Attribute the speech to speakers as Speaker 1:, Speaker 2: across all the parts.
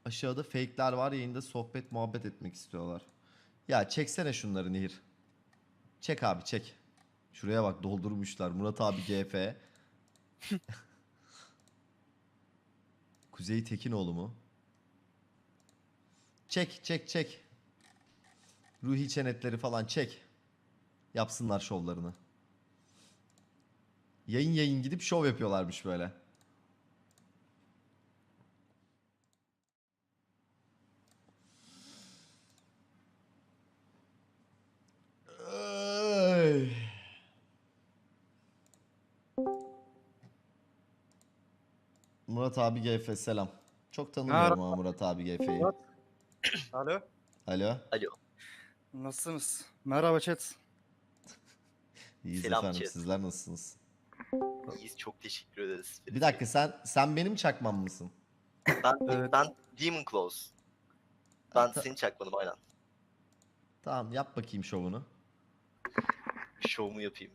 Speaker 1: Aşağıda fake'ler var, yayında sohbet muhabbet etmek istiyorlar. Ya çeksene şunları Nehir. Çek abi çek. Şuraya bak doldurmuşlar. Murat abi GF. Kuzey Tekinoğlu mu? Çek çek çek. Ruhi çenetleri falan çek. Yapsınlar şovlarını. Yayın yayın gidip şov yapıyorlarmış böyle. Ay. Murat abi GF selam. Çok tanımıyorum ama Murat abi GF'yi.
Speaker 2: Alo.
Speaker 1: Alo.
Speaker 3: Alo.
Speaker 2: Nasılsınız? Merhaba chat.
Speaker 1: İyiyiz
Speaker 3: Selam
Speaker 1: efendim.
Speaker 3: chat.
Speaker 1: Sizler nasılsınız?
Speaker 3: İyiyiz, çok teşekkür ederiz.
Speaker 1: Bir dakika sen benim çakmam mısın?
Speaker 2: Evet.
Speaker 3: Ben Demon Claws. Ben
Speaker 1: Ta-
Speaker 3: seni çakmadım aynen.
Speaker 1: Tamam yap bakayım şovunu.
Speaker 3: Şovumu yapayım.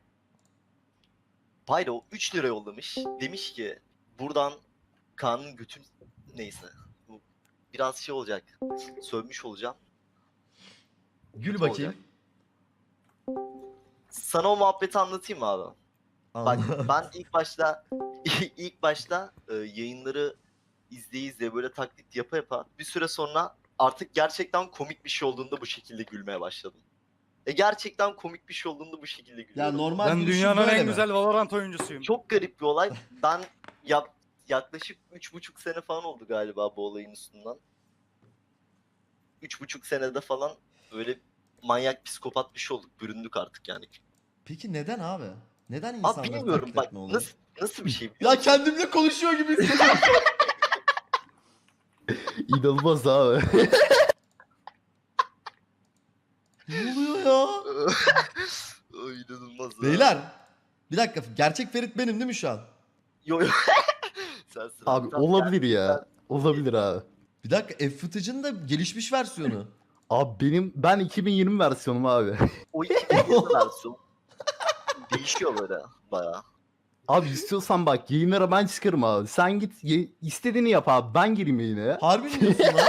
Speaker 3: Pyro 3 lira yollamış. Demiş ki buradan Kaan'ın götün neyse. Bu biraz şey olacak. Sövmüş olacağım.
Speaker 1: Gül
Speaker 3: Kötü
Speaker 1: bakayım.
Speaker 3: olacak. Sana o muhabbeti anlatayım mı abi? Bak ben ilk başta yayınları izleye böyle taklit yapa yapa bir süre sonra artık gerçekten komik bir şey olduğunda bu şekilde gülmeye başladım. Gerçekten komik bir şey olduğunda bu şekilde
Speaker 1: Ya
Speaker 3: gülüyorum.
Speaker 1: normal
Speaker 2: Ben
Speaker 1: gülüşün
Speaker 2: dünyanın
Speaker 1: böyle
Speaker 2: en
Speaker 1: mi?
Speaker 2: güzel Valorant oyuncusuyum.
Speaker 3: Çok garip bir olay. Ben yaklaşık 3,5 sene falan oldu galiba bu olayın üstünden. 3,5 senede falan öyle manyak psikopat bir şey olduk. Büründük artık yani.
Speaker 1: Peki neden abi? Neden
Speaker 3: Abi
Speaker 1: insanları
Speaker 3: bilmiyorum
Speaker 1: taklit
Speaker 3: bak
Speaker 1: etme oluyor?
Speaker 3: nasıl bir şey biliyor
Speaker 1: Ya
Speaker 3: musun?
Speaker 1: kendimle konuşuyor gibi hissediyorum.
Speaker 4: İnanılmaz abi.
Speaker 1: Ne oluyor ya?
Speaker 3: Ay, inanılmaz ya.
Speaker 1: Beyler. Bir dakika. Gerçek Ferit benim değil mi şu an?
Speaker 3: Yo. Sensin
Speaker 4: Abi
Speaker 3: Tamam,
Speaker 4: olabilir ya. Olabilir abi.
Speaker 1: Bir dakika. F-Footage'ın da gelişmiş versiyonu.
Speaker 4: Abi ben 2020 versiyonum abi.
Speaker 3: O 2020 versiyon değişiyor böyle bayağı.
Speaker 4: Abi istiyorsan bak yayınlara ben çıkarım abi. Sen git istediğini yap abi. Ben gireyim yayına.
Speaker 1: Harbi mi diyorsun lan?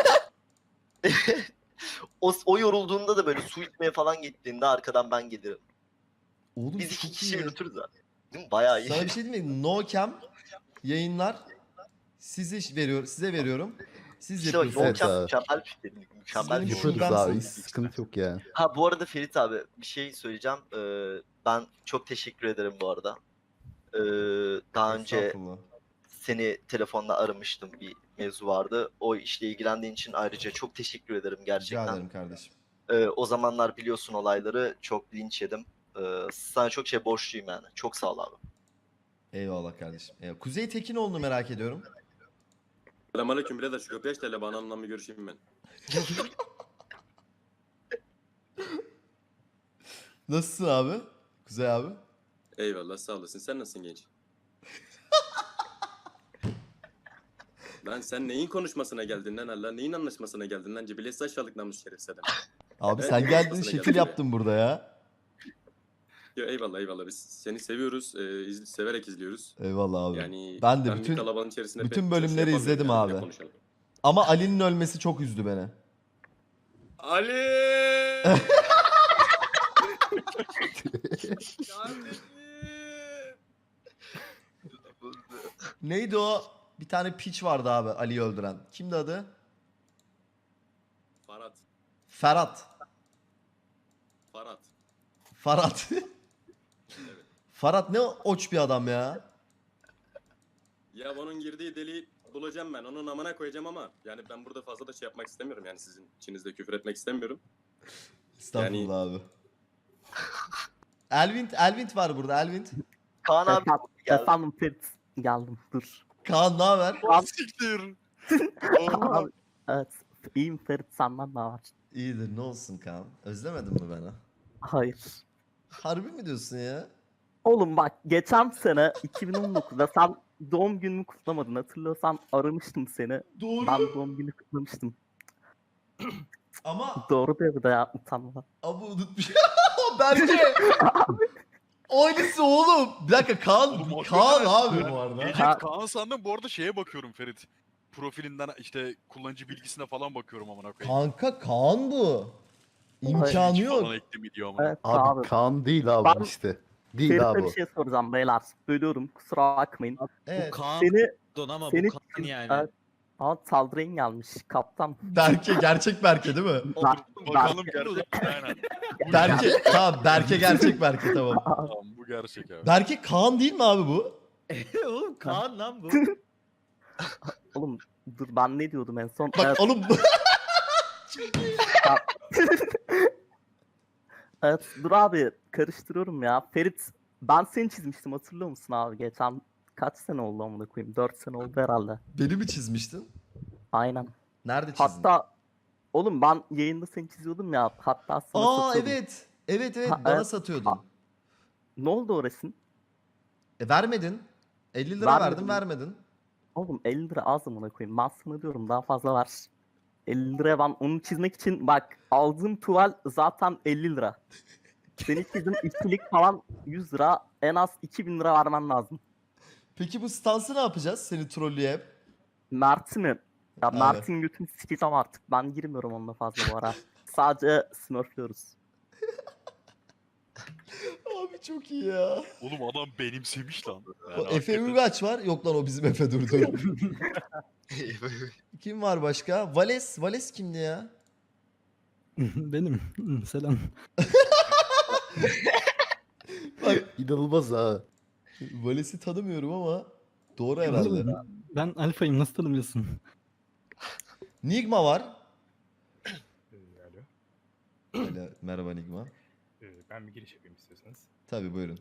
Speaker 3: O yorulduğunda da böyle su içmeye falan gittiğinde arkadan ben gelirim.
Speaker 1: Oğlum
Speaker 3: Biz 2
Speaker 1: çok
Speaker 3: kişi
Speaker 1: iyi.
Speaker 3: yürütürüz abi. Değil mi? Bayağı iyi.
Speaker 1: Sana bir şey diyeyim mi? No cam yayınlar size veriyorum. Siz
Speaker 3: İşte bak
Speaker 1: yapıyorsunuz.
Speaker 4: Evet
Speaker 3: Volkan
Speaker 4: abi.
Speaker 3: mükemmel bir fikir. Mükemmel
Speaker 1: benim
Speaker 3: bir
Speaker 1: şuradan-
Speaker 3: fikir.
Speaker 4: Yaparız abi. Hiç
Speaker 1: şubemsiniz.
Speaker 4: sıkıntı yok yani.
Speaker 3: Ha bu arada Ferit abi bir şey söyleyeceğim. Ben çok teşekkür ederim bu arada. Daha önce
Speaker 1: Estağfurullah.
Speaker 3: seni telefonla aramıştım, bir mevzu vardı. O işle ilgilendiğin için ayrıca çok teşekkür ederim
Speaker 1: Rica
Speaker 3: gerçekten.
Speaker 1: ederim kardeşim.
Speaker 3: O zamanlar biliyorsun olayları, çok linç yedim. Sana çok şey borçluyum yani. Çok sağ ol abi.
Speaker 1: Eyvallah kardeşim. Eyvallah. Kuzey Tekinoğlu'nu merak ediyorum.
Speaker 5: Selamünaleyküm birader, şu kapıyı aç da hele bana hanımla bir görüşeyim ben.
Speaker 1: Nasılsın abi? Kuzey abi.
Speaker 5: Eyvallah, sağ olasın. Sen nasılsın genç? Lan sen neyin konuşmasına geldin lan Allah? Neyin anlaşmasına geldin lan? Cebilesi aşağılık namus şerefsiz adam.
Speaker 1: Abi
Speaker 5: Evet,
Speaker 1: sen geldin
Speaker 5: kafasına
Speaker 1: şekil
Speaker 5: geldi.
Speaker 1: yaptın burada ya.
Speaker 5: Yo, eyvallah eyvallah, biz seni seviyoruz. Severek izliyoruz.
Speaker 1: Eyvallah abi.
Speaker 5: Yani
Speaker 1: Ben de
Speaker 5: bir
Speaker 1: bütün
Speaker 5: kalabalığın içerisinde
Speaker 1: bütün
Speaker 5: pek
Speaker 1: bölümleri
Speaker 5: çok şey yapamıyorum
Speaker 1: izledim
Speaker 5: yani,
Speaker 1: abi.
Speaker 5: ne konuşalım.
Speaker 1: Ama Ali'nin ölmesi çok üzdü beni.
Speaker 5: Ali!
Speaker 1: Neydi o? Bir tane piç vardı abi Ali'yi öldüren. Kimdi adı?
Speaker 5: Farhat.
Speaker 1: Ferhat.
Speaker 5: Farhat.
Speaker 1: Farhat.
Speaker 5: Evet.
Speaker 1: Farhat ne oç bir adam ya.
Speaker 5: Ya onun girdiği deliği bulacağım ben. Onun amına koyacağım ama yani ben burada fazla da şey yapmak istemiyorum. Yani sizin içinizde küfür etmek istemiyorum.
Speaker 1: Estağfurullah abi. Elvin var burada Elvin.
Speaker 3: Kaan abi geldi.
Speaker 6: Efendim Ferit geldim dur.
Speaker 1: Kaan ne haber?
Speaker 2: Siktir.
Speaker 6: Abi, evet iyiyim Ferit senden ne var?
Speaker 1: İyidir ne olsun Kaan. Özlemedin mi beni?
Speaker 6: Hayır.
Speaker 1: Harbi mi diyorsun ya?
Speaker 6: Oğlum bak geçen sene 2019'da sen doğum günümü kutlamadın hatırlıyorsan aramıştım seni.
Speaker 1: Doğru.
Speaker 6: Ben doğum günü kutlamıştım.
Speaker 1: Ama
Speaker 6: Doğru bir de ya utanma.
Speaker 1: unutmuş. Berke. Aynısı oğlum. Bir dakika Kaan.
Speaker 7: Oğlum,
Speaker 1: Kaan
Speaker 7: hakikaten
Speaker 1: abi
Speaker 7: ben
Speaker 1: bu arada.
Speaker 7: Gelecek Kaan sandım, bu arada şeye bakıyorum Ferit. profilinden işte kullanıcı bilgisine falan bakıyorum amına koyayım.
Speaker 1: Kanka Kaan bu. İmkanı
Speaker 7: Hiç
Speaker 1: yok.
Speaker 7: falan ekli mi diyor amına.
Speaker 6: Evet
Speaker 4: Abi
Speaker 6: abi.
Speaker 4: Kaan değil abi
Speaker 6: Ben-
Speaker 4: işte. Değil
Speaker 6: Ferit'e
Speaker 4: abi
Speaker 6: bir
Speaker 4: o.
Speaker 6: şey soracağım beyler. Bölüyorum kusura bakmayın.
Speaker 1: Evet.
Speaker 8: Kaan
Speaker 6: Seni
Speaker 8: ama
Speaker 6: seni
Speaker 8: bu Kaan yani.
Speaker 6: Evet. Aa, saldırın gelmiş kaptan.
Speaker 1: Berke gerçek Berke değil mi?
Speaker 7: Bakalım
Speaker 6: Berke-
Speaker 7: gerçek mi? Aynen.
Speaker 1: Berke tamam Berke gerçek Berke tamam.
Speaker 7: Tamam bu gerçek abi.
Speaker 1: Berke Kaan değil mi abi bu?
Speaker 8: Oğlum Kaan lan bu.
Speaker 6: Oğlum dur ben ne diyordum en son?
Speaker 1: Bak
Speaker 6: Evet,
Speaker 1: oğlum
Speaker 6: evet, dur abi karıştırıyorum ya. Ferit ben seni çizmiştim hatırlıyor musun abi? Geçen kaç sene oldu amına koyayım? 4 sene oldu herhalde.
Speaker 1: beni mi çizmiştin?
Speaker 6: Aynen.
Speaker 1: Nerede çizdin?
Speaker 6: Hatta oğlum ben yayında seni çiziyordum ya. Hatta sana
Speaker 1: Aa
Speaker 6: satıyordum.
Speaker 1: evet. Evet evet
Speaker 6: Ha,
Speaker 1: bana
Speaker 6: evet.
Speaker 1: satıyordun.
Speaker 6: Ha. Ne oldu o resim?
Speaker 1: Vermedin. 50 lira
Speaker 6: Vermedim
Speaker 1: verdim
Speaker 6: mi?
Speaker 1: vermedin.
Speaker 6: Oğlum 50 lira az amına koyayım. Ben sana diyorum daha fazla ver. 50 liraya ben onu çizmek için bak aldığım tuval zaten 50 lira. Seni çizdim ikilik falan 100 lira en az 2000 lira vermen lazım.
Speaker 1: Peki bu stansı ne yapacağız seni trollüye hep?
Speaker 6: Mert'i mi? Ya
Speaker 1: Evet.
Speaker 6: Mert'in götünü sikeceğim artık. Ben girmiyorum onunla fazla bu ara. Sadece smurfluyoruz.
Speaker 1: Abi çok iyi ya.
Speaker 7: Oğlum adam benimsemiş lan. Yani
Speaker 1: O Efe
Speaker 7: hakikaten.
Speaker 1: Uygaç var. Yok lan o bizim Efe durdu. Kim var başka? Vales kimdi ya?
Speaker 9: Benim. Selam.
Speaker 1: Bak
Speaker 4: İnanılmaz ha.
Speaker 1: Vales'i tanımıyorum ama doğru herhalde.
Speaker 9: Ben alfayım nasıl tanımıyorsun?
Speaker 1: Nigma var.
Speaker 10: Alo.
Speaker 1: Öyle, merhaba Nigma.
Speaker 10: Ben bir giriş yapayım istiyorsanız.
Speaker 1: Tabii buyurun.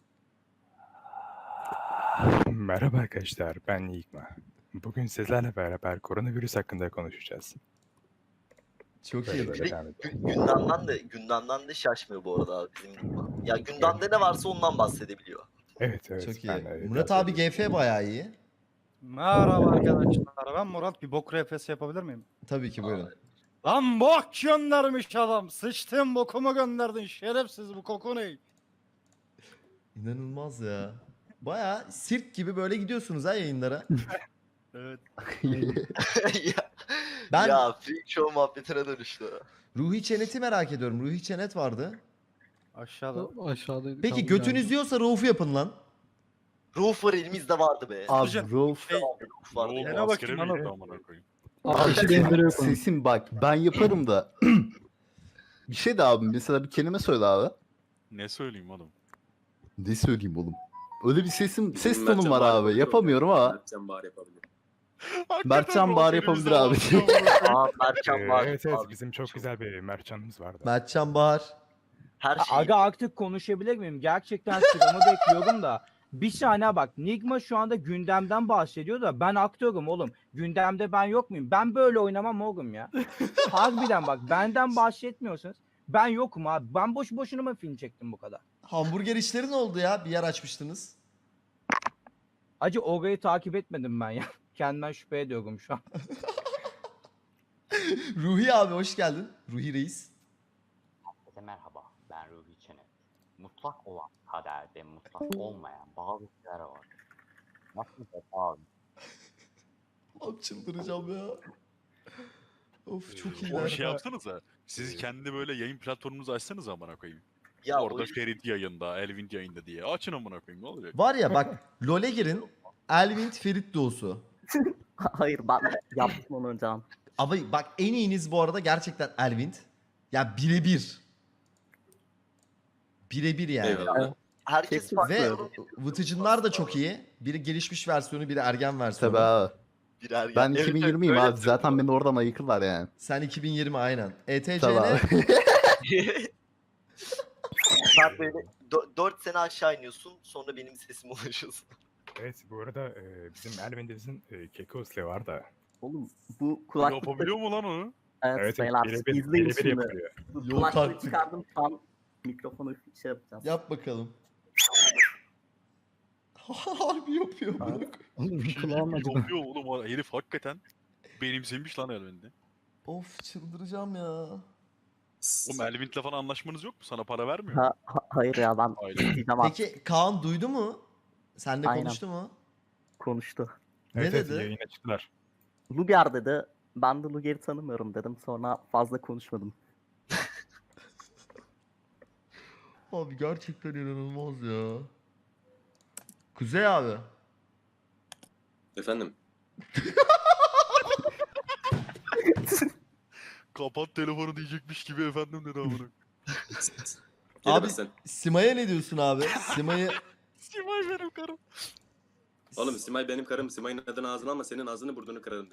Speaker 10: Merhaba arkadaşlar, ben Yigma. Bugün sizlerle beraber koronavirüs hakkında konuşacağız.
Speaker 1: Çok
Speaker 10: Böyle
Speaker 1: iyi.
Speaker 10: böyle devam edelim.
Speaker 3: Gündemden de şaşmıyor bu arada abi bizim Nigma. Ya gündemde ne varsa ondan bahsedebiliyor.
Speaker 10: Evet, evet.
Speaker 1: Çok iyi.
Speaker 10: ben,
Speaker 1: Murat abi GF bayağı iyi.
Speaker 2: Merhaba arkadaşlar. Ben Murat bir bok RPS yapabilir miyim?
Speaker 1: Tabii ki buyurun.
Speaker 2: Lan bok göndermiş adam. Sıçtın bokumu gönderdin. Şerefsiz bu koku ne?
Speaker 1: İnanılmaz ya. Bayağı sirk gibi böyle gidiyorsunuz ha yayınlara.
Speaker 2: Evet.
Speaker 3: ya,
Speaker 1: Ben
Speaker 3: ya freak show muhabbetine dönüştü.
Speaker 1: Ruhi Çenet'i merak ediyorum. Ruhi Çenet vardı.
Speaker 2: Aşağıda.
Speaker 9: O aşağıdaydı.
Speaker 1: Peki
Speaker 9: kaldı
Speaker 1: götünüz
Speaker 9: galiba.
Speaker 1: diyorsa Rauf'u yapın lan.
Speaker 3: Roof var elimizde vardı be.
Speaker 4: Abi
Speaker 2: Hocam,
Speaker 4: Rolf.
Speaker 3: Roof vardı.
Speaker 7: Oğlum
Speaker 2: Yine
Speaker 7: askere
Speaker 2: bakayım
Speaker 7: mi
Speaker 2: lan
Speaker 7: gitti
Speaker 2: o.
Speaker 7: amına koyayım?
Speaker 9: Abi
Speaker 4: Abi
Speaker 9: şey benzeri yok onun.
Speaker 4: sesim bak ben yaparım da. Bir şey de abi mesela bir kelime söyle abi.
Speaker 7: Ne söyleyeyim oğlum?
Speaker 4: Ne söyleyeyim oğlum? Öyle bir ses
Speaker 5: Bizim
Speaker 4: tonum
Speaker 5: Mertcan
Speaker 4: var
Speaker 5: Bahar
Speaker 4: abi.
Speaker 5: yapabilir
Speaker 4: Yapamıyorum ama.
Speaker 5: Mertcan Bahar yapabilir.
Speaker 4: Mertcan Bahar yapabilir abi.
Speaker 3: Aa Mertcan var.
Speaker 10: Evet, evet.
Speaker 3: Abi,
Speaker 10: Bizim çok güzel bir mercanımız vardı.
Speaker 1: Mertcan Bahar.
Speaker 3: Her şey.
Speaker 11: Aga artık konuşabilir miyim? Gerçekten sıramı bekliyorum da. Bir saniye bak. Nigma şu anda gündemden bahsediyor da ben aktörüm oğlum. Gündemde ben yok muyum? Ben böyle oynamam oğlum ya. Harbiden bak benden bahsetmiyorsunuz. Ben yokum abi. Ben boş boşuna mı film çektim bu kadar?
Speaker 1: Hamburger işleri ne oldu ya? Bir yer açmıştınız.
Speaker 11: Acı orayı takip etmedim ben ya. Kendimden şüphe ediyorum şu an.
Speaker 1: Ruhi abi hoş geldin. Ruhi Reis.
Speaker 12: Herkese merhaba, ben Ruhi Çenet. Mutlak olan kaderde mutlak olmayan bazı şeyler var. Nasıl abi?
Speaker 1: Abi çıldıracağım ya. Of çok
Speaker 7: Bir
Speaker 1: iyiler.
Speaker 7: şey yapsanıza. Siz kendi böyle yayın platformunuzu açsanız amına koyayım.
Speaker 3: Ya
Speaker 7: Orada
Speaker 3: o-
Speaker 7: Ferit yayında, Elvin yayında diye. Açın amına koyayım ne olacak?
Speaker 1: Var ya bak LoL'e girin. Elvin Ferit doğusu.
Speaker 6: Hayır ben yaptım onu önceden.
Speaker 1: Ama bak en iyiniz bu arada gerçekten Elvin. Ya birebir. Birebir yani.
Speaker 5: Eyvallah.
Speaker 3: herkes
Speaker 6: Kesin.
Speaker 3: farklı.
Speaker 1: Ve Vıtıcınlar da çok iyi. Biri gelişmiş versiyonu, biri ergen versiyonu.
Speaker 4: Tabii abi.
Speaker 3: Birer
Speaker 4: Ben
Speaker 3: evet,
Speaker 4: 2020'yim
Speaker 3: öyle
Speaker 4: abi. Zaten beni oradan ayıkırlar yani.
Speaker 1: Sen 2020 aynen. ETC'ne
Speaker 4: Tabii abi.
Speaker 3: Sen böyle 4 sene aşağı iniyorsun sonra benim sesime ulaşıyorsun.
Speaker 10: Evet, bu arada bizim Elvendiz'in Kekos'le var da.
Speaker 6: Oğlum bu kulaklıkta
Speaker 7: Yapabiliyor mu lan onu?
Speaker 6: evet,
Speaker 10: Evet,
Speaker 6: beyler
Speaker 10: birebir
Speaker 6: izleyin
Speaker 10: birebir
Speaker 6: şimdi.
Speaker 10: yapılıyor.
Speaker 6: Bu
Speaker 1: Yok
Speaker 6: kulaklığı
Speaker 1: artık.
Speaker 6: çıkardım şu an mikrofonu şey yapacağız.
Speaker 1: yap bakalım. Harbi yapıyor.
Speaker 9: Oğlum
Speaker 7: Bir şey
Speaker 9: kulağım acıdı.
Speaker 7: yapıyor oğlum o herif hakikaten benimsemiş lan Elvin'de.
Speaker 1: Of çıldıracağım ya.
Speaker 7: Oğlum Elvin'le falan anlaşmanız yok mu? Sana para vermiyor.
Speaker 6: Hayır ya ben
Speaker 7: Aynen.
Speaker 6: diyeceğim artık.
Speaker 1: Peki Kaan duydu mu? Seninle
Speaker 6: Aynen.
Speaker 1: konuştu mu?
Speaker 6: Konuştu.
Speaker 1: Ne
Speaker 10: Evet, evet,
Speaker 1: dedi?
Speaker 10: yayına çıktılar.
Speaker 6: Luger dedi. Ben de Luger'i tanımıyorum dedim. Sonra fazla konuşmadım.
Speaker 1: Abi gerçekten inanılmaz ya. Kuzey abi.
Speaker 5: Efendim.
Speaker 7: Kapat telefonu diyecekmiş gibi efendim dedi amına.
Speaker 1: Abi
Speaker 5: Gelemezsen.
Speaker 1: Sima'ya ne diyorsun abi? Sima'yı
Speaker 7: Simay benim karım.
Speaker 5: Oğlum Simay benim karım. Simay'ın adını ağzına alma, senin ağzını burnunu kırarım.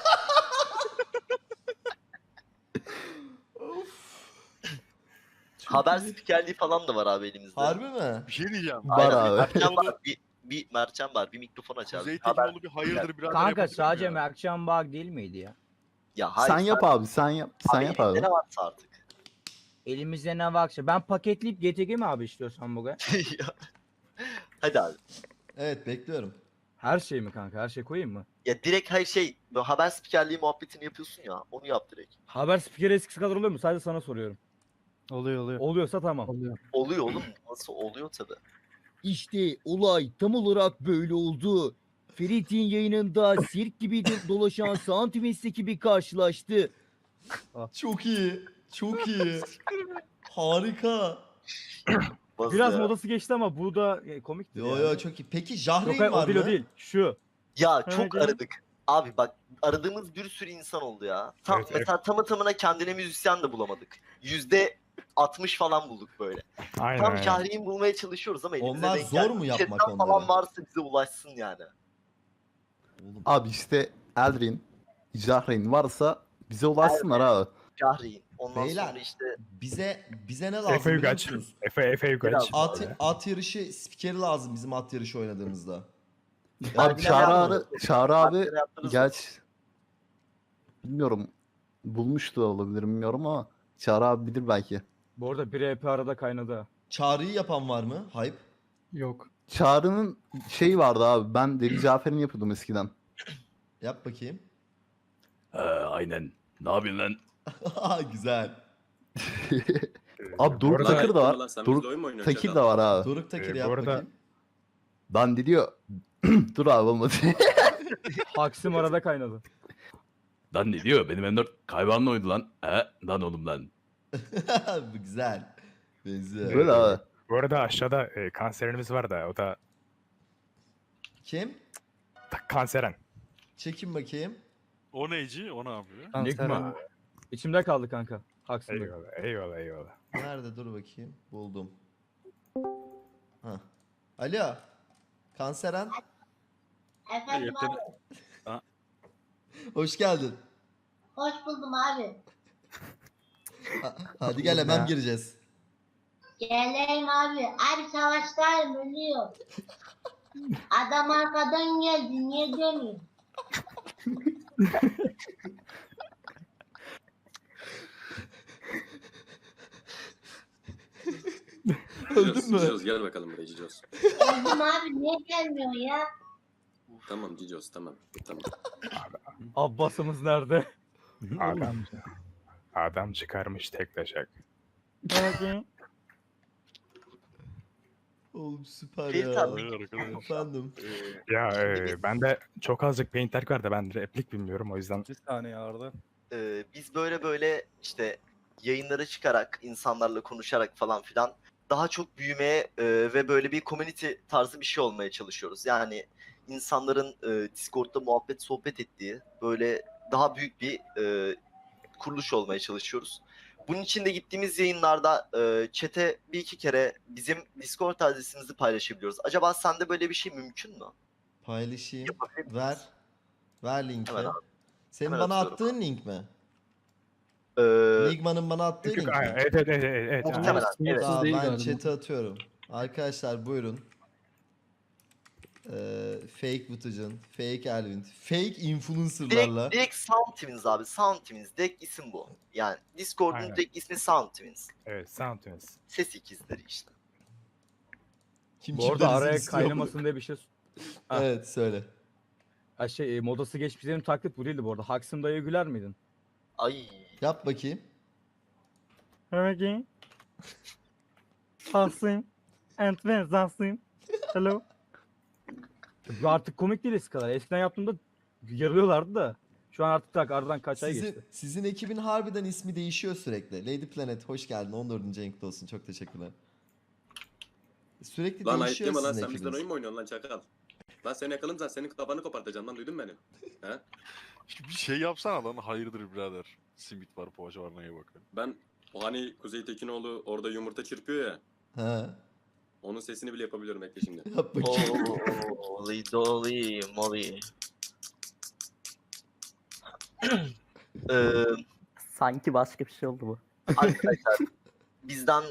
Speaker 3: Haber spikerliği falan da var abi elimizde.
Speaker 1: harbi mi?
Speaker 7: Bir şey diyeceğim.
Speaker 4: Var abi.
Speaker 3: Mertcan var. Bir Mertcan var. Bir mikrofon aç abi.
Speaker 7: Kuzey
Speaker 3: Haber...
Speaker 7: Tekinoğlu bir hayırdır birader
Speaker 11: Kanka
Speaker 7: yapabilir
Speaker 11: sadece
Speaker 7: ya?
Speaker 11: Mertcan Bağ değil miydi ya?
Speaker 3: Ya hayır.
Speaker 4: Sen yap abi, sen yap. Sen yap abi.
Speaker 3: elimizde ne varsa artık.
Speaker 11: Elimizde ne varsa. Ben paketleyip GTG mi abi istiyorsan bugün?
Speaker 3: Hadi abi.
Speaker 1: Evet bekliyorum.
Speaker 11: Her şey mi kanka? Her şey koyayım mı?
Speaker 3: Ya direkt hayır böyle haber spikerliği muhabbetini yapıyorsun ya. Onu yap direkt.
Speaker 11: Haber spikeri eskisi kadar oluyor mu? Sadece sana soruyorum.
Speaker 9: Oluyor.
Speaker 11: Oluyorsa tamam.
Speaker 3: Oluyor oğlum. Nasıl oluyor tabi.
Speaker 13: İşte olay tam olarak böyle oldu. Ferit'in yayınında sirk gibi dolaşan Soundwinds ekibi karşılaştı.
Speaker 1: Çok iyi. Çok iyi. Harika.
Speaker 11: Biraz modası geçti ama bu da komikti.
Speaker 1: Yo yo çok iyi. Peki Jahreyn
Speaker 11: Yok
Speaker 1: var
Speaker 11: o değil
Speaker 1: mı?
Speaker 11: o değil. Şu.
Speaker 3: Ya çok
Speaker 11: Evet,
Speaker 3: aradık. Abi bak aradığımız bir sürü insan oldu ya. Tam,
Speaker 10: Evet, evet.
Speaker 3: mesela tamı tamına kendine müzisyen de bulamadık. %60 falan bulduk böyle.
Speaker 10: Aynen
Speaker 3: Tam
Speaker 10: aynen.
Speaker 3: Şahri'yi bulmaya çalışıyoruz ama elimize
Speaker 1: Onlar
Speaker 3: denk
Speaker 1: zor
Speaker 3: gelmiyor.
Speaker 1: mu yapmak
Speaker 3: Chatten falan
Speaker 1: onları?
Speaker 3: varsa bize ulaşsın yani.
Speaker 1: Oğlum,
Speaker 4: Abi işte Eldrin, Jahreyn varsa bize ulaşsınlar abi.
Speaker 3: Şahri'yi. Ondan
Speaker 1: Beyler,
Speaker 3: sonra işte
Speaker 1: bize ne lazım
Speaker 10: Efe
Speaker 1: biliyor
Speaker 10: Yugaç.
Speaker 1: musunuz?
Speaker 10: Efe Yugaç.
Speaker 1: At yarışı spikeri lazım bizim at yarışı oynadığımızda.
Speaker 4: Abi
Speaker 3: Vergiler
Speaker 4: Çağrı abi
Speaker 3: Vergiler yaptınız mı?
Speaker 4: geç. Bilmiyorum. Bulmuş da olabilir bilmiyorum ama Çağrı abi bilir belki.
Speaker 11: Bu arada bir EP arada kaynadı. ha.
Speaker 1: Çağrı'yı yapan var mı? Hype.
Speaker 9: Yok.
Speaker 4: Çağrı'nın şeyi vardı abi. Ben Deli Cafer'in yapıyordum eskiden.
Speaker 1: Yap bakayım.
Speaker 7: Aynen. Ne yapıyorsun lan?
Speaker 1: Güzel.
Speaker 4: Abi Doruk
Speaker 10: arada-
Speaker 4: Takır da
Speaker 5: Lan
Speaker 4: var.
Speaker 5: sen bizle
Speaker 4: Doruk
Speaker 5: oyun mu oynuyorsun
Speaker 4: Tekir
Speaker 5: Çakal?
Speaker 4: de var abi.
Speaker 1: Doruk Takir
Speaker 10: bu
Speaker 1: yap
Speaker 10: arada-
Speaker 1: bakayım.
Speaker 4: Dan diyor. Dur abi olmadı.
Speaker 11: Haksim arada kaynadı.
Speaker 7: Lan ne diyor? Benim M4 kaybanla oydu lan. Lan oğlum lan.
Speaker 1: Bu güzel. Benziyor.
Speaker 4: Böyle abi.
Speaker 10: Bu arada aşağıda kanserimiz var da o da
Speaker 1: Kim?
Speaker 10: kanseren.
Speaker 1: Çekin bakayım.
Speaker 7: O neyci? O ne yapıyor?
Speaker 11: Enigma. İçimde kaldı kanka. Haksim'de.
Speaker 10: Eyvallah.
Speaker 1: Nerede? Dur bakayım. Buldum. Hah. Alo. Kanseren.
Speaker 7: Efendim
Speaker 1: Hoş geldin.
Speaker 14: Hoş buldum abi.
Speaker 1: Hadi gel hemen gireceğiz.
Speaker 14: Gelelim abi. Abi savaştayım ölüyor. Adam arkadan geldi. Niye dönüyor?
Speaker 1: Öldün mü?
Speaker 5: Cicos gel bakalım buraya Cicos.
Speaker 14: Öldüm abi. Niye gelmiyor ya?
Speaker 5: Tamam Cicos tamam. Tamam.
Speaker 11: Abbas'ımız nerede?
Speaker 10: Adam çıkarmış tek taşak.
Speaker 1: Oğlum süper
Speaker 3: Ferit
Speaker 1: ya.
Speaker 3: abi.
Speaker 1: Efendim.
Speaker 10: Ya ben de çok azıcık paint terk var da ben replik bilmiyorum o yüzden.
Speaker 11: Bir saniye Arda.
Speaker 3: Biz böyle işte yayınlara çıkarak, insanlarla konuşarak falan filan daha çok büyümeye ve böyle bir community tarzı bir şey olmaya çalışıyoruz. Yani insanların Discord'da muhabbet sohbet ettiği böyle daha büyük bir kuruluş olmaya çalışıyoruz. Bunun için de gittiğimiz yayınlarda chat'e bir iki kere bizim Discord adresimizi paylaşabiliyoruz. Acaba sende böyle bir şey mümkün mü?
Speaker 1: Paylaşayım.
Speaker 3: Yapabilir miyiz?
Speaker 1: Ver. Ver linki.
Speaker 3: Hemen abi.
Speaker 1: Senin
Speaker 3: Hemen
Speaker 1: bana
Speaker 3: atıyorum
Speaker 1: attığın link mi?
Speaker 3: Ee,
Speaker 1: Nigma'nın bana attığı link mi?
Speaker 10: Aynen, evet.
Speaker 3: Muhtemelen, evet.
Speaker 1: Tamam,
Speaker 9: değil
Speaker 1: ben
Speaker 9: galiba.
Speaker 1: chat'e atıyorum. Arkadaşlar buyurun. Fake Vıtıcın, Fake Elvin, Fake influencerlarla.
Speaker 3: Direkt Sound Twins abi. Sound Twins. Direkt isim bu. Yani Discord'un
Speaker 10: Aynen.
Speaker 3: direkt ismi Sound Twins.
Speaker 10: Evet Soundtunes.
Speaker 3: Ses ikizleri işte.
Speaker 1: Kim
Speaker 11: Bu arada
Speaker 1: kimden izin
Speaker 11: araya
Speaker 1: istiyor
Speaker 11: kaynamasın diye bir şey.
Speaker 1: bunu? Evet söyle.
Speaker 11: Ha modası geçmiş benim taklit bu değildi bu arada. Haksim dayı güler miydin?
Speaker 3: Ay.
Speaker 1: Yap bakayım.
Speaker 11: Peki. Haksim. And ben Haksim. Hello. Bu artık komik değil eskiden. Eskiden yaptığımda yarılıyorlardı da. Şu an artık tak aradan kaç ay
Speaker 1: Sizin,
Speaker 11: geçti.
Speaker 1: sizin ekibin harbiden ismi değişiyor sürekli. Lady Planet hoş geldin. 14. renkli olsun. Çok teşekkürler. Sürekli
Speaker 5: Lan ayıp
Speaker 1: değişiyor
Speaker 5: deme lan,
Speaker 1: sizin
Speaker 5: sen bizden
Speaker 1: ekibiniz.
Speaker 5: oyun mu oynuyorsun lan çakal? Lan seni yakalım sen, senin kafanı kopartacağım lan, duydun beni. He?
Speaker 15: Bir şey yapsana lan, hayırdır birader. Simit var, poğaça var, neye bakın.
Speaker 5: Ben o hani Kuzey Tekinoğlu orada yumurta çırpıyor ya.
Speaker 1: He.
Speaker 5: Onun sesini bile yapabiliyorum, bekle şimdi.
Speaker 1: Yap bakayım.
Speaker 3: Holy dolly molly.
Speaker 6: Sanki başka bir şey oldu bu.
Speaker 3: Arkadaşlar bizden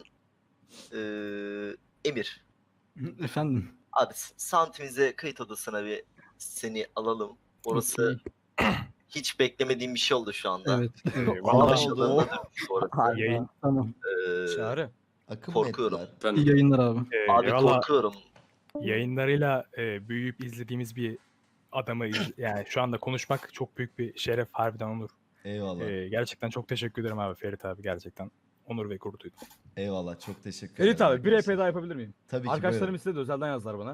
Speaker 3: Emir.
Speaker 9: Efendim.
Speaker 3: Abi santimize kayıt odasına bir seni alalım. Orası hiç beklemediğim bir şey oldu şu anda.
Speaker 9: Evet. evet.
Speaker 3: Anlaşıldığında dönmüş orası.
Speaker 6: Harika.
Speaker 9: Tamam.
Speaker 2: Çağrı.
Speaker 1: Akım mı
Speaker 3: Korkuyorum.
Speaker 1: ettiler?
Speaker 5: Efendim,
Speaker 9: İyi yayınlar abi.
Speaker 3: Abi korkuyorum.
Speaker 10: Yayınlarıyla büyüyüp izlediğimiz bir adamı yani şu anda konuşmak çok büyük bir şeref, harbiden onur.
Speaker 1: Eyvallah.
Speaker 10: Gerçekten çok teşekkür ederim abi Ferit abi, gerçekten onur ve gurur duydum.
Speaker 1: Eyvallah. Çok teşekkür
Speaker 11: Ferit
Speaker 1: ederim.
Speaker 11: abi bir EP daha yapabilir miyim?
Speaker 1: Tabii ki.
Speaker 11: Arkadaşlarım
Speaker 1: buyurun.
Speaker 11: istedi, özelden yazdılar bana.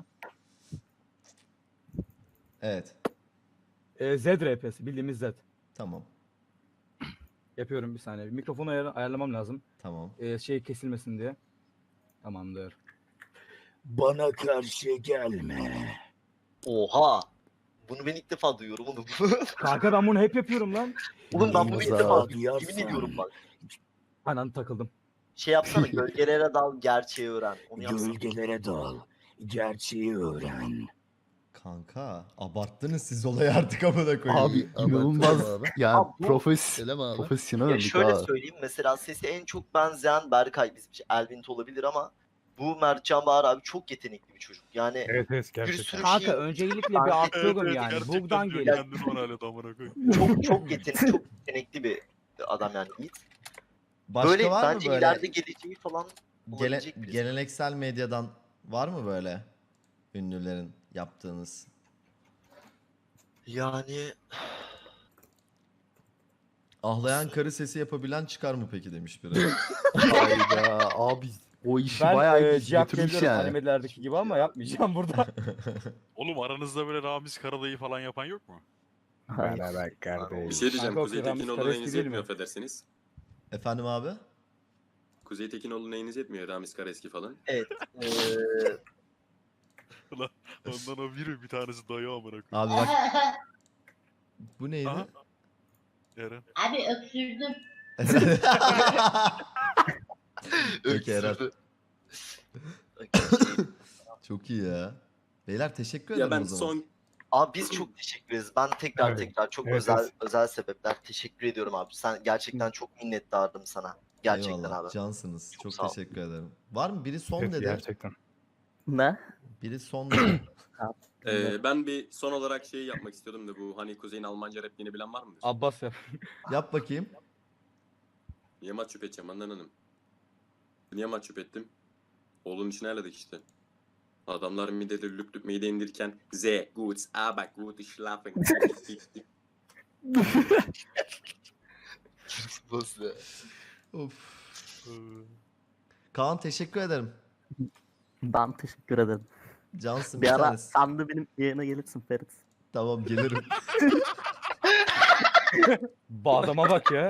Speaker 1: Evet.
Speaker 11: Z RP'si, bildiğimiz Z.
Speaker 1: Tamam.
Speaker 11: Yapıyorum bir saniye. Mikrofonu ayarlamam lazım.
Speaker 1: Tamam.
Speaker 11: Şey kesilmesin diye. Tamamdır.
Speaker 13: Bana karşı gelme.
Speaker 3: Oha. Bunu ben ilk defa duyuyorum oğlum.
Speaker 11: Kanka ben bunu hep yapıyorum lan.
Speaker 3: Oğlum ben bunu ilk
Speaker 13: Yılmaz'a
Speaker 3: defa duyuyorum.
Speaker 13: duyarsan.
Speaker 3: Yemin ediyorum bak.
Speaker 11: Anan takıldım.
Speaker 3: Şey yapsana, gölgelere dal, gerçeği öğren. Onu yapsana.
Speaker 13: Gölgelere dal. Gerçeği öğren.
Speaker 1: Kanka abarttınız siz olayı artık amına koyayım.
Speaker 4: Abi inanılmaz. Yani
Speaker 3: Abi bu-
Speaker 4: profesyonel
Speaker 3: Ya
Speaker 4: olduk
Speaker 3: şöyle
Speaker 4: ha.
Speaker 3: söyleyeyim, mesela sesi en çok benzeyen Berkay, bizim için Elvint olabilir ama bu Mertcan Bahar abi çok yetenekli bir çocuk. Yani
Speaker 10: Evet
Speaker 3: bir
Speaker 10: gerçekten.
Speaker 3: sürü
Speaker 11: Kanka
Speaker 3: şey
Speaker 11: öncelikle bir atıyorum yani. Buradan geliyor.
Speaker 15: Kendini bana öyle damına koy.
Speaker 3: çok yetenekli bir adam yani Yiğit.
Speaker 1: Başka
Speaker 3: Böyle
Speaker 1: var mı
Speaker 3: bence
Speaker 1: böyle
Speaker 3: ileride geleceği falan olabilecek birisi.
Speaker 1: geleneksel medyadan var mı böyle ünlülerin yaptığınız?
Speaker 3: Yani
Speaker 1: Ağlayan karı sesi yapabilen çıkar mı peki demiş biri.
Speaker 4: Hayda abi o işi
Speaker 11: Ben
Speaker 4: bayağı
Speaker 11: cevap
Speaker 4: götürmüş
Speaker 11: veriyorum
Speaker 4: yani.
Speaker 11: animelerdeki gibi ama yapmayacağım burada.
Speaker 15: Oğlum aranızda böyle Ramiz Karadayı falan yapan yok mu?
Speaker 10: Beraber
Speaker 5: bir
Speaker 10: kardeşim.
Speaker 5: şey diyeceğim,
Speaker 11: Kanka,
Speaker 5: Kuzey
Speaker 11: Ramiz
Speaker 5: Tekinoğlu
Speaker 11: Kareski
Speaker 5: neyiniz
Speaker 11: değil mi?
Speaker 5: yetmiyor affedersiniz.
Speaker 1: Efendim abi?
Speaker 5: Kuzey Tekinoğlu neyiniz yetmiyor, Ramiz Kareski falan.
Speaker 3: evet.
Speaker 15: Ondan o biri, bir tanesi dayı amına koy.
Speaker 1: Abi bak bu neydi?
Speaker 15: Aha. Eren.
Speaker 14: Abi öksürdüm.
Speaker 1: Peki Eren.
Speaker 3: Öksürdü.
Speaker 1: Çok iyi ya. Beyler teşekkür
Speaker 5: Ya
Speaker 1: ederim
Speaker 5: ben
Speaker 1: o zaman.
Speaker 5: son
Speaker 3: Abi biz çok teşekkür ederiz. Ben tekrar çok
Speaker 10: Evet, evet.
Speaker 3: özel sebepler teşekkür ediyorum abi. Sen gerçekten çok minnettarım sana. Gerçekten
Speaker 1: Eyvallah,
Speaker 3: abi.
Speaker 1: cansınız.
Speaker 3: Çok
Speaker 1: Çok
Speaker 3: sağ ol.
Speaker 1: teşekkür ederim. Var mı? Biri son
Speaker 10: Evet,
Speaker 1: dedi.
Speaker 10: gerçekten.
Speaker 6: Ne?
Speaker 1: Biri son dedi.
Speaker 5: ben bir son olarak şey yapmak istiyordum da, bu hani Kuzey'in Almanca repliğini bilen var mıdır?
Speaker 11: Abbas ya.
Speaker 1: Yap bakayım.
Speaker 5: Niye mahcup edeceğim Handan Hanım? Niye mahcup ettim? Oğlun için ayarladık işte. Adamlar midede lüp lüp mide indirken Z, gut, aber gut, schlafen.
Speaker 1: Of. Kaan teşekkür ederim.
Speaker 6: Ben teşekkür ederim.
Speaker 1: Cansın
Speaker 6: Bir
Speaker 1: bir
Speaker 6: ara
Speaker 1: tanesi.
Speaker 6: sen de benim yayına gelirsin Ferit.
Speaker 1: Tamam gelirim.
Speaker 11: Bu adama bak ya.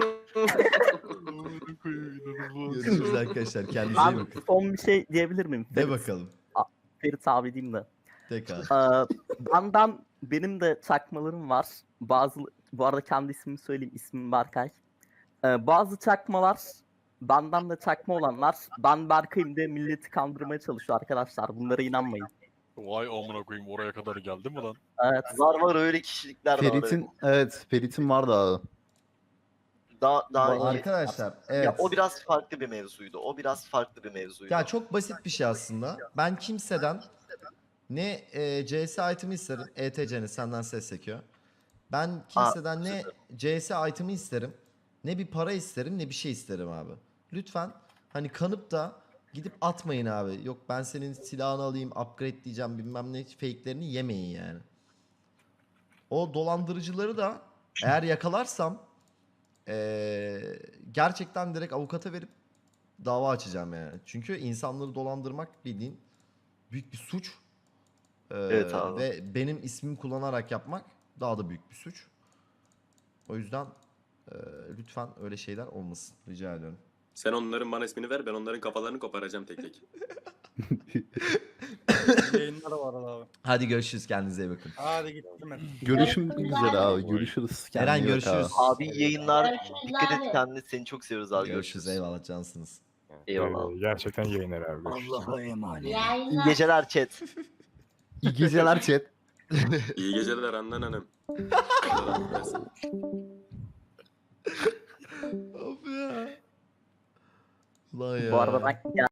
Speaker 1: Görüşürüz arkadaşlar. Kendinize iyi
Speaker 6: Ben
Speaker 1: bakın.
Speaker 6: son bir şey diyebilir miyim?
Speaker 1: De
Speaker 6: Ferit,
Speaker 1: bakalım.
Speaker 6: Ferit abi diyeyim de.
Speaker 1: Tekrar.
Speaker 6: Benim de çakmalarım var. Bu arada kendi ismimi söyleyeyim. İsmim Berkay. Bazı çakmalar benden de çakma olanlar ben Berkay'ım diye milleti kandırmaya çalışıyor arkadaşlar. Bunlara inanmayın.
Speaker 15: Vay amına koyayım, oraya kadar geldi mi lan?
Speaker 6: Evet.
Speaker 3: Var öyle kişilikler de var.
Speaker 4: Ferit'in vardı abi.
Speaker 3: Daha iyi.
Speaker 1: Arkadaşlar evet.
Speaker 3: Ya o biraz farklı bir mevzuydu.
Speaker 1: Ya çok basit bir şey aslında. Ben kimseden ne CS item'i isterim. ETC'ni senden ses çekiyor. Ben kimseden ne CS item'i isterim. Ne bir para isterim ne bir şey isterim abi. Lütfen hani kanıp da gidip atmayın abi. Yok ben senin silahını alayım upgrade diyeceğim bilmem ne fake'lerini yemeyin yani. O dolandırıcıları da eğer yakalarsam gerçekten direkt avukata verip dava açacağım yani. Çünkü insanları dolandırmak bildiğin büyük bir suç.
Speaker 3: Evet abi.
Speaker 1: Ve benim ismimi kullanarak yapmak daha da büyük bir suç. O yüzden lütfen öyle şeyler olmasın. Rica ediyorum.
Speaker 5: Sen onların bana ismini ver, ben onların kafalarını koparacağım tek tek.
Speaker 2: Yayınlar var abi.
Speaker 1: Hadi görüşürüz. Kendinize iyi bakın.
Speaker 2: Hadi gittim ben.
Speaker 4: Görüşmek üzere abi. Görüşürüz.
Speaker 1: Eren,
Speaker 4: Kendine iyi bak
Speaker 1: görüşürüz.
Speaker 4: abi.
Speaker 3: Abi yayınlar.
Speaker 14: Görüşürüz
Speaker 3: Dikkat
Speaker 14: abi.
Speaker 3: et kendine. Seni çok seviyoruz abi.
Speaker 1: Görüşürüz. Eyvallah cansınız.
Speaker 3: Eyvallah abi.
Speaker 10: Gerçekten yayınlar abi. Görüşürüz.
Speaker 11: Allah'a emanet.
Speaker 3: İyi
Speaker 14: Yayınlar.
Speaker 3: geceler chat.
Speaker 4: İyi geceler chat.
Speaker 5: İyi geceler Handan Hanım.
Speaker 1: Of ya. Ulan ya.
Speaker 6: Bu arada ben